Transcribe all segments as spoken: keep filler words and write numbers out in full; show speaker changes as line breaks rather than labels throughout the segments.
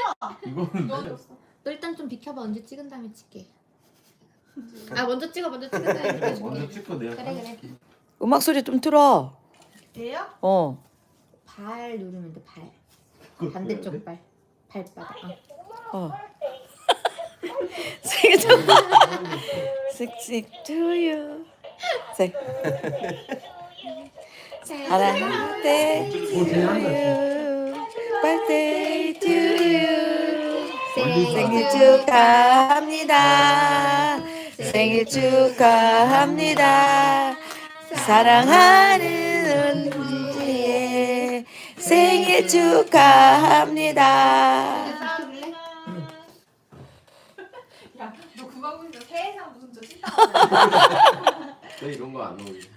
이거는
너
일단 좀 비켜봐. 언제 찍은 다음에 찍게. 아 먼저 찍어. 먼저 찍은 다음에
먼저
찍어줄게.
찍고 내가
그래, 그래.
찍게.
음악 소리 좀 틀어.
얘요?
어.
발 누르면 돼. 발.
그거
반대쪽
해야 돼?
발. 발바닥. 어.
어. 생일 축하. 섹시 to you. 생. 사랑해 to you. birthday to you. 생일 축하합니다. 생일 축하합니다. 사랑하는 은지의 생일 축하합니다.
야, 너 그거 하고 있는 세상 무슨 저 찐따.
나 이런 거 안 어울려.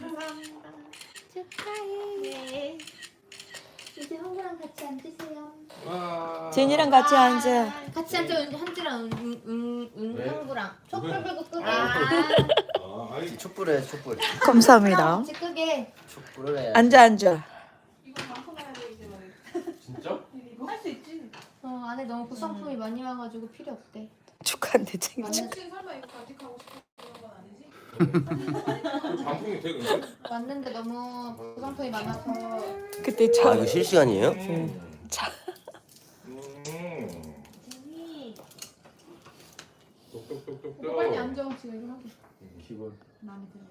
축하해. 이제 형부랑 같이 앉으세요.
와.
제니랑 같이 앉아.
같이 앉아. 현지랑 은은
왜?
형부랑 촛불 불고 끄게.
아, 아이
촛불해 촛불
감사합니다.
같이 끄게.
촛불을 해.
앉아 앉아.
이거 방송해야 돼 이제 말이야.
진짜?
이거 할 수 있지.
어 안에 너무 구성품이 많이 와가지고 필요 없대.
축하한데 생일
아니
축하.
혹시 설마 이거 간직하고 싶은 그런 건 아니지?
방송이 돼 근데?
왔는데 너무 구성품이 많아서.
그때
아
저
이거 실시간이에요?
음.
자.
음.
제니.
똑똑똑똑.
오빠 빨리 앉아 지금 이거 하고.
기본.
마음에 드네요.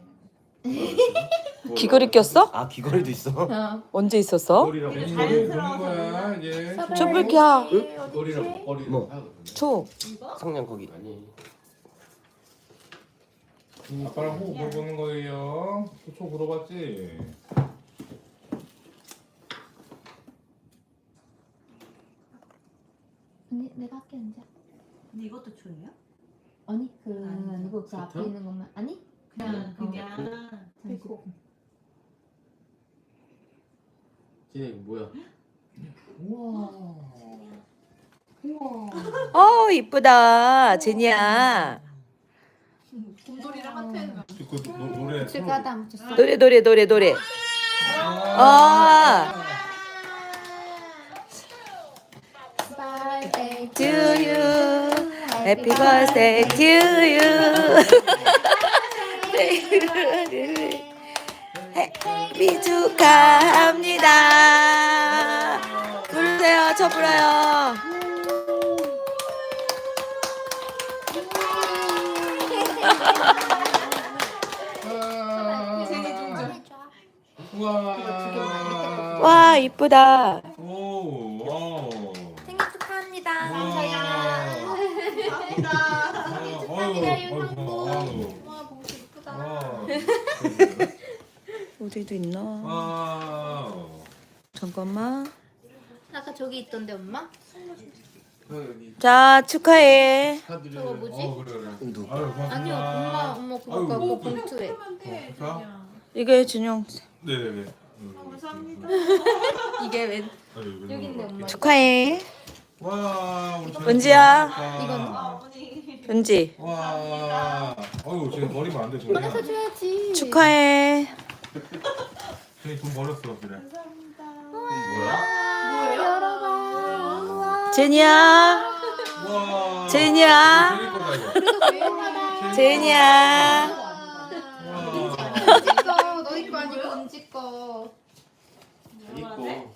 귀걸이 꼈어?
아 귀걸이도 있어?
어.
언제 있었어?
머리라고.
되게
머리
자연스러워서
보는 거야 이제.
촛불 켜.
머리라고. 머리.
뭐?
초.
이거?
성냥 거기
아니. 아빠랑 호흡 물어보는 거예요. 초초 물어봤지?
언니 내가 할게 앉아.
근데 이것도 초예요?
아니 그
아니죠.
아니고 그 앞에
세트?
있는 것만 아니?
그냥
그냥
그냥
그리고
진혜 이거 뭐야? 우와. 우와.
어 이쁘다 제니야.
곰돌이랑 하트는
그 노, 노래.
즐거하다 안 붙였어.
노래 노래 노래 노래. 아.
Birthday
To you. Happy birthday to you. 생일 축하합니다. 부르세요, 저 불어요.
생일 중전.
우와.
와 이쁘다.
오. 와.
생일 축하합니다.
우와.
감사합니다.
아유, 아이고, 아유.
와 봉지 이쁘다.
와.
어디도 있나?
와.
잠깐만.
아까 저기 있던데 엄마?
여기
자 축하해.
카드를.
저거 뭐지?
어 그래 그래.
누구?
아유 고맙습니다.
아니요 엄마 엄마 그거
아이고.
갖고
뭐
봉투에.
그러면 돼.
어,
그냥.
이게 준영
네네네.
아, 감사합니다.
이게 웬?
아유,
여기 있네 엄마.
축하해.
와 우리 잘
은지야.
먹었다.
이거는?
어머니.
은지
와. 어유 지금 버리면 안 돼. 지금.
꺼내서 줘야지.
축하해.
저희 돈 버렸어 그래.
감사합니다.
뭐야?
열어봐.
제니야.
와.
제니야.
제니 거다 이거.
유용하다.
제니야.
와.
은지 거 너희 거 아니고 은지 거.
제니 거.